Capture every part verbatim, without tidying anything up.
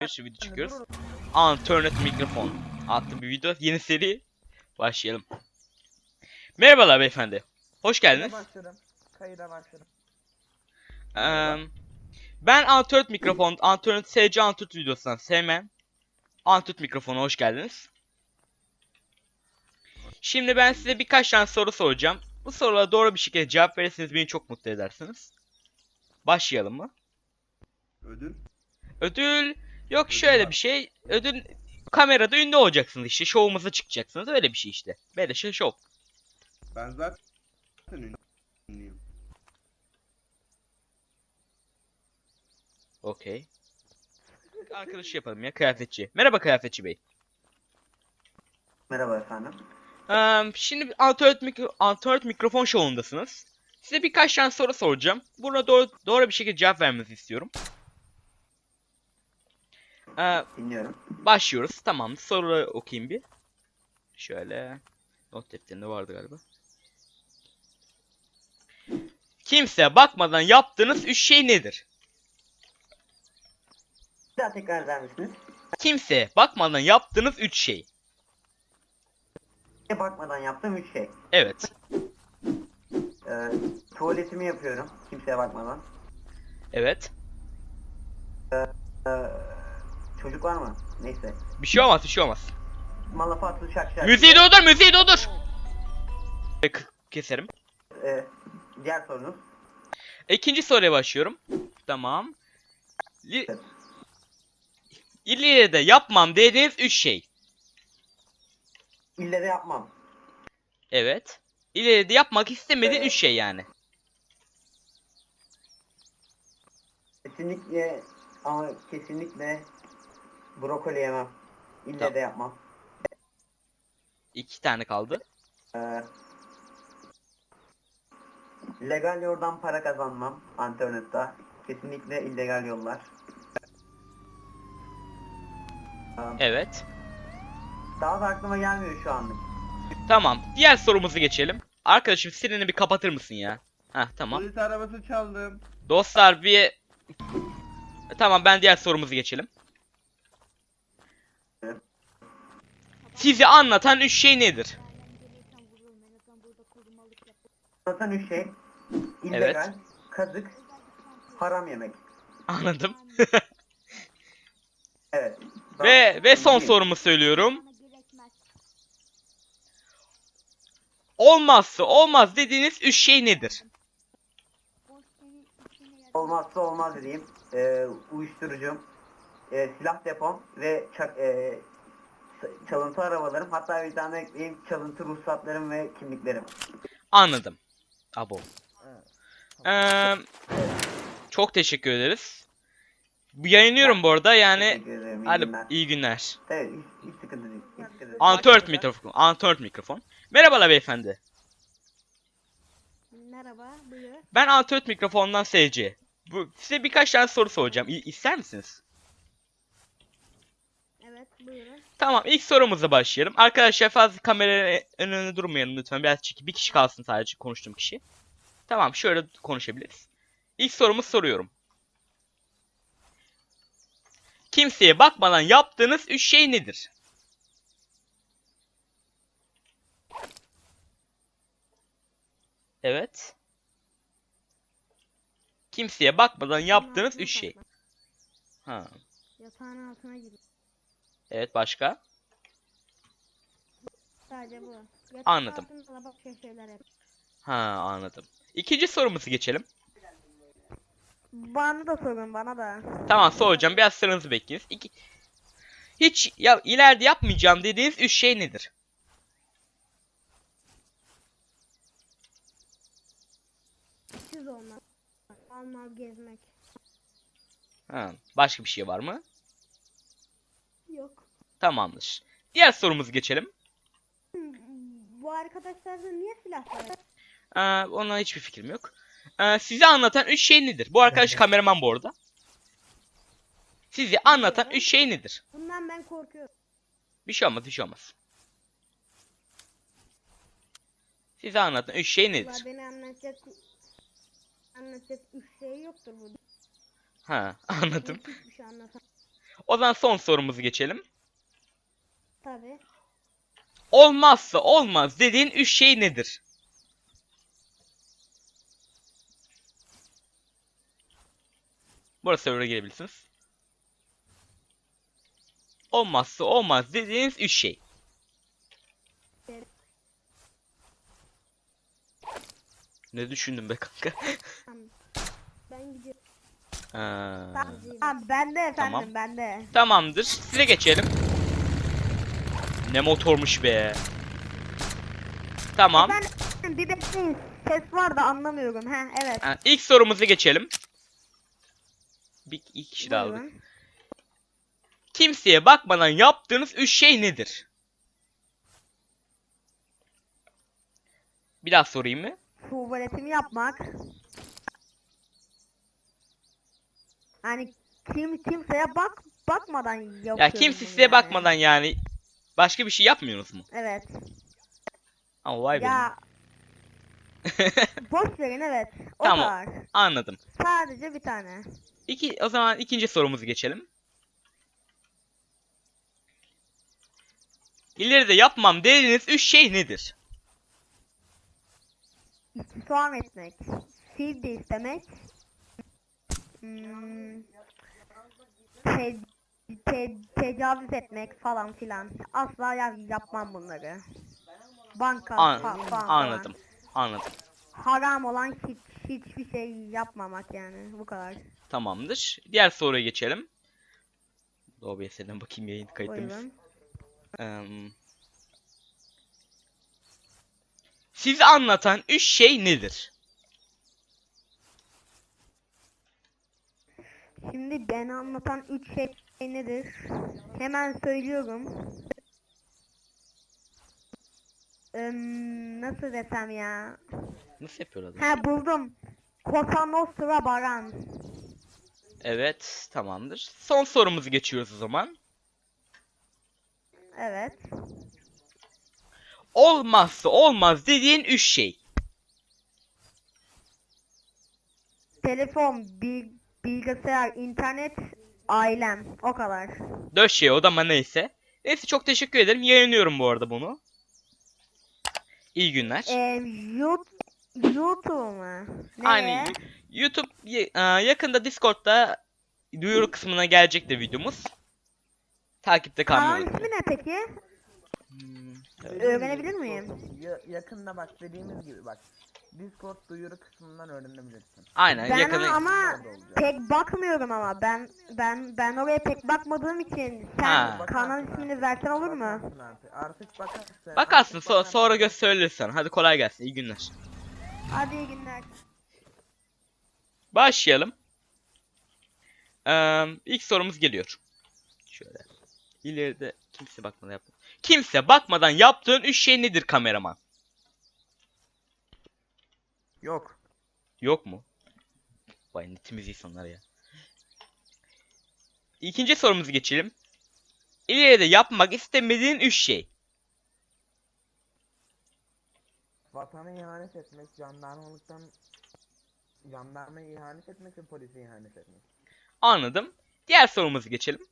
bir video çekiyoruz. Alternate Mikrofon adlı bir video. Yeni seri. Başlayalım. Merhabalar beyefendi. Hoş geldiniz. Kayıda başladım. Kayıda başladım. Ee, ben Alternate Mikrofon, Alternate S C Alternate videosundan sevmem. Alternate Mikrofon'a hoş geldiniz. Şimdi ben size birkaç tane soru soracağım. Bu sorulara doğru bir şekilde cevap verirseniz beni çok mutlu edersiniz. Başlayalım mı? Ödül? Ödül yok, Ödül şöyle var. bir şey. Ödül kamerada ünlü olacaksınız işte. Şovumuza çıkacaksınız. Öyle bir şey işte. Böyle şey şov. Ben zaten ünlüyüm. Okey. Arkadaşı yapalım ya, kıyafetçi. Merhaba kıyafetçi bey. Merhaba efendim. Eee, şimdi alternate, mikro alternate mikrofon şovundasınız. Size birkaç tane soru soracağım. Buna doğru, doğru bir şekilde cevap vermenizi istiyorum. Eee, Dinliyorum. başlıyoruz. Tamam, soruları okuyayım bir. Şöyle. Not defterinde vardı galiba. Kimseye bakmadan yaptığınız üç şey nedir? Bir daha tekrar eder misiniz? Kimseye bakmadan yaptığınız üç şey. Bir bakmadan yaptığım üç şey. Evet. Ee, tuvaletimi yapıyorum. Kimseye bakmadan. Evet. Ee, çocuk var mı? Neyse. Bir şey olmaz, bir şey olmaz. Malafatlı şak şak. Müziği doldur, müziği doldur. K- Keserim. Ee, diğer sorunuz. İkinci soruya başlıyorum. Tamam. Li İleride yapmam dediğiniz üç şey. İlle de yapmam. Evet. İleride yapmak istemediğin üç şey yani. Kesinlikle ama kesinlikle brokoli yemem. İlle Tamam. de yapmam. İki tane kaldı. Ee, legal yoldan para kazanmam. İnternette. Kesinlikle illegal yollar. Ee, Evet. daha da aklıma gelmiyor şu anlık. Tamam. Diğer sorumuzu geçelim. Arkadaşım sireni bir kapatır mısın ya? Heh, tamam. Polis arabası çaldım. Dostlar bir... Tamam, ben diğer sorumuzu geçelim. Sizi anlatan üç şey nedir? Zaten üç şey. İllegal, Evet. kazık, haram yemek. Anladım. Evet. Ve ve son Değil. sorumu söylüyorum. Olmazsa olmaz dediğiniz üç şey nedir? Olmazsa olmaz dediğim e, uyuşturucum, e, silah depom ve çak, e, s- çalıntı arabalarım. Hatta bir tane ekleyeyim, çalıntı ruhsatlarım ve kimliklerim. Anladım. Abo. Evet. Eee çok teşekkür ederiz. Bu yayınlıyorum bu arada yani. Teşekkür ederim. İyi Hadi günler. iyi günler. Evet, hiç, hiç sıkıntı değil. Hiç sıkıntı değil. Antört mikrofon. Antört mikrofon. Merhabalar beyefendi. Merhaba, buyur. Ben Antört mikrofondan S C. Bu size birkaç tane soru soracağım. İ ister misiniz? Evet, buyurun. Tamam, ilk sorumuza başlayalım. Arkadaşlar fazla kamera önünde durmayalım lütfen. Biraz çekip bir kişi kalsın sadece konuştuğum kişi. Tamam, şöyle konuşabiliriz. İlk sorumu soruyorum. Kimseye bakmadan yaptığınız üç şey nedir? Evet. Kimseye bakmadan yaptığınız üç şey. Ha. Yatağın altına gir. Evet, başka? Sadece bu. Yatak Anladım. altında başka şeyler yap. Ha, anladım. İkinci sorumuzu geçelim. Bana da sorun, bana da. Tamam, soracağım. Biraz sıranızı bekleyiniz. İki... Hiç ya ileride yapmayacağım dediğiniz üç şey nedir? Siz olmak. Almal gezmek. Ha, başka bir şey var mı? Yok. Tamamdır. Diğer sorumuzu geçelim. Hmm, Bu arkadaşlarda niye silah var? Ee, ona hiçbir fikrim yok. Ee, size anlatan üç şey nedir? Bu arkadaş kameraman bu arada. Sizi anlatan üç şey nedir? Bundan ben korkuyorum. Bir şey olmaz, bir şey olmaz. Size anlatan üç şey Valla nedir? beni anlatacak anlatacak üç şey yoktur burada. Ha, anladım. Hiçbir şey anlatan. O zaman son sorumuzu geçelim. Tabii. Olmazsa olmaz dediğin üç şey nedir? Burası server'a girebilirsiniz. Olmazsa olmaz dediğiniz üç şey. Ne düşündün be kanka? Tamam. Ben gidiyorum. Ha, Tamam ben de efendim Tamam. ben de. tamamdır. Size geçelim. Ne motormuş be. Tamam. Efendim bir bekleyin. Ses var da anlamıyorum. Ha evet. Ha, ilk sorumuza geçelim. Bir iki kişi daha aldık. Buyurun. Kimseye bakmadan yaptığınız üç şey nedir? Bir daha sorayım mı? Tuvaletimi yapmak. Hani kim kimseye bak bakmadan yapıyorum. Ya kimse bunu size yani. bakmadan yani başka bir şey yapmıyorsunuz mu? Evet. Ama vay be. Ya boş verin evet. O Tamam. kadar. Anladım. Sadece bir tane. İki, o zaman ikinci sorumuzu geçelim. İleride yapmam dediğiniz üç şey nedir? İstifam etmek. Fil de istemek. Hmm, te, te, tecavüz etmek falan filan. Asla ya, yapmam bunları. Banka An- fa- falan anladım. falan. Anladım. Haram olan hiç, hiçbir şey yapmamak yani. Bu kadar. Tamamdır. Diğer soruya geçelim. O B S'den bakayım yayın kayıtlarımız. Buyurun. Eee, sizi anlatan üç şey nedir? Şimdi beni anlatan üç şey nedir? Hemen söylüyorum. Im, nasıl desem ya? Nasıl yapıyor adam? Ha buldum. Cosa Nostra Baran. Evet, tamamdır. Son sorumuzu geçiyoruz o zaman. Evet. Olmazsa olmaz dediğin üç şey. Telefon, bil, bilgisayar, internet, ailem. O kadar. Dört şey o da ama neyse. Neyse çok teşekkür ederim. Yayınlıyorum bu arada bunu. İyi günler. Ee, YouTube, YouTube mu? Aynı Nereye? y- YouTube y- e, yakında Discord'da duyuru kısmına gelecektir videomuz. Takipte Kanalın kalmayı ismi unutmayın. ne peki? Hmm, Dediğimiz Öğrenebilir gibi, miyim? ya- yakında bak dediğimiz gibi bak. Discord duyuru kısmından öğrenebilirsin. Aynen Ben yakında. ama Orada olacak. pek bakmıyorum ama ben ben ben oraya pek bakmadığım için sen Ha. kanal ismini versen olur mu? Bakarsın Artık, artık bakarsın. Bakarsın artık so- bakarsın. sonra gösterilirsen. Hadi kolay gelsin. İyi günler. Hadi iyi günler. Başlayalım. Ee, ilk sorumuz geliyor. Şöyle. İleride kimse bakmadan yaptı. Kimse bakmadan yaptığın üç şey nedir kameraman? Yok. Yok mu? Vay ne temiz insanlar ya. İkinci sorumuzu geçelim. İleride yapmak istemediğin üç şey. Vatana ihanet etmek, jandarmalıktan jandarmaya ihanet etmek ve polise ihanet etmek. Anladım. Diğer sorumuzu geçelim.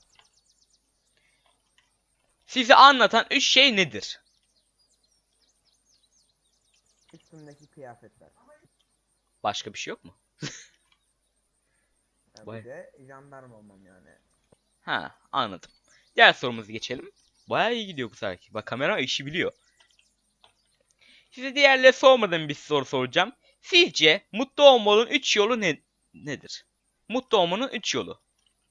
Sizi anlatan üç şey nedir? Üstümdeki kıyafetler. Başka bir şey yok mu? Yani Vay. bir de jandarma olmam yani. Ha, anladım. Diğer sorumuzu geçelim. Bayağı iyi gidiyor bu sefer. Bak kamera işi biliyor. Size diğerleri sormadığım bir soru soracağım. Sizce mutlu olmanın üç yolu ne nedir? Mutlu olmanın üç yolu.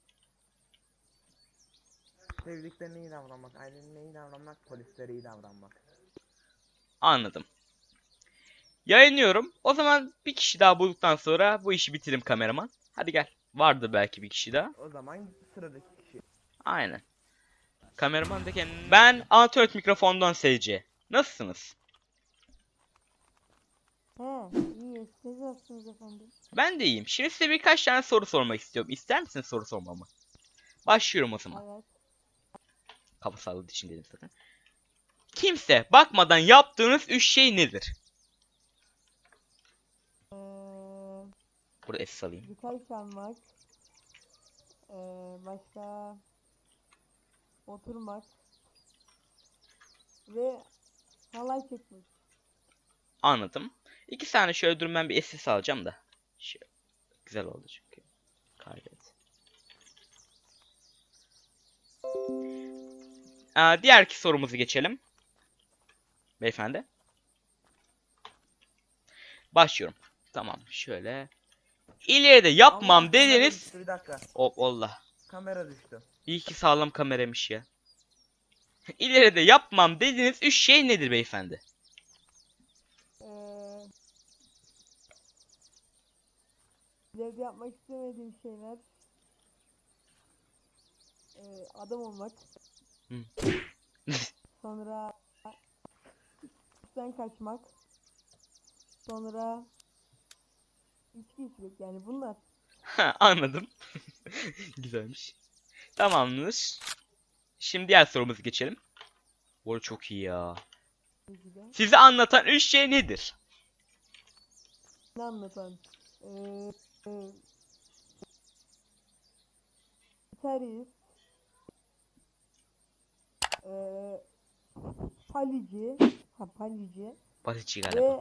Sevdiklerine iyi davranmak, ailenine iyi davranmak, polislere iyi davranmak. Anladım. Yayınlıyorum. O zaman bir kişi daha bulduktan sonra bu işi bitirelim kameraman. Hadi gel. Vardı belki bir kişi daha. O zaman sıradaki kişi. Aynen. Kameraman da kendini... Ben Anatört mikrofondan S C. Nasılsınız? He, iyi. Siz nasılsınız efendim? Ben de iyiyim. Şimdi size birkaç tane soru sormak istiyorum. İster misiniz soru sormamı? Başlıyorum o zaman. Evet. Kafa salladığı için dedim zaten. Kimse bakmadan yaptığınız üç şey nedir? Ee, Burada es alayım. birkaç tane var. Ee, başka oturmak ve halay çekmek. Anladım. İki saniye şöyle durun, ben bir S S alacağım da. Şöyle. Güzel oldu çünkü. Kaydet. Aa, diğerki sorumuzu geçelim. Beyefendi. Başlıyorum. Tamam şöyle. İleride yapmam Allah, kamera dediniz. düştü, bir dakika. O Allah. Kamera düştü. İyi ki sağlam kameramış ya. İleride yapmam dediğiniz üç şey nedir beyefendi? Ee, ileride yapmak istemediğim şeyler ee, adam olmak. Hı. Sonra işten kaçmak. Sonra içki içmek, yani bunlar. Ha, anladım. Güzelmiş. Tamamdır. Şimdi diğer sorumuza geçelim. Bu arada çok iyi ya. Tabii de. Sizi anlatan üç şey nedir? Ne anlatan? Ee, e, gitarist, ee, palici, ha palici Basici galiba. ve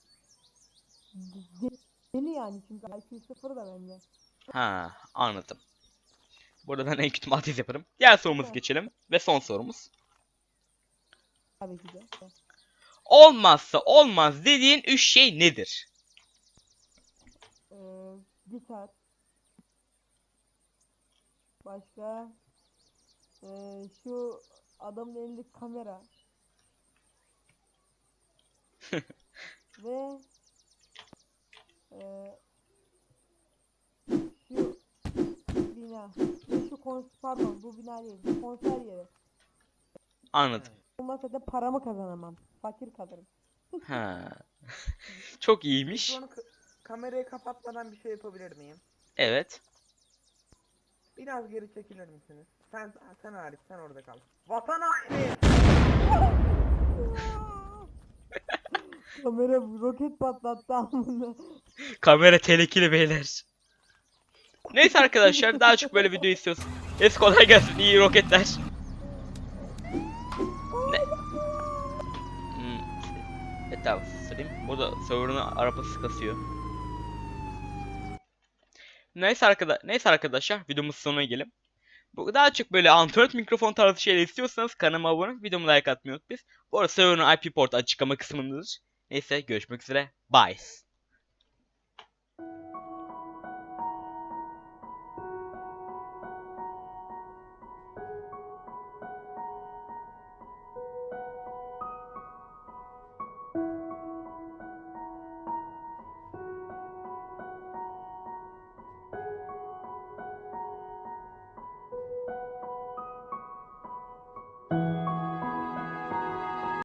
de- deli, yani çünkü I Q sıfır da bende. Ha, anladım. Burada ben en kötü matematik yaparım. Diğer sorumuza Evet. geçelim. Ve son sorumuz. Tabii ki de. Olmazsa olmaz dediğin üç şey nedir? Ee, gitar. Başka ee, şu adamın elindeki kamera. Ve ee, şu bina. Ve şu konser, pardon bu bina değil, bu konser yeri. Anladım. Olmazsa da paramı kazanamam. Fakir kalırım. Ha. Çok Şu iyiymiş. an k- kamerayı kapatmadan bir şey yapabilir miyim? Evet. Biraz geri çekilir misiniz? Sen sen hariç, sen orada kal. Vatan haini! Kamera roket patlattı amına. Kamera tehlikeli beyler. Neyse arkadaşlar, daha çok böyle video istiyorsun. Es kolay gelsin, iyi roketler. Ne? Hmm. Evet abi sırayım. Burada server'ın arabası kasıyor. Neyse arkadaşlar, neyse arkadaşlar videomuz sonuna gelelim. Bu daha çok böyle Android mikrofon tarzı şeyler istiyorsanız kanalıma abone olup videomu like atmayı unutmayın. Bu arada server'ın I P portu açıklama kısmındadır. Neyse görüşmek üzere. Bye.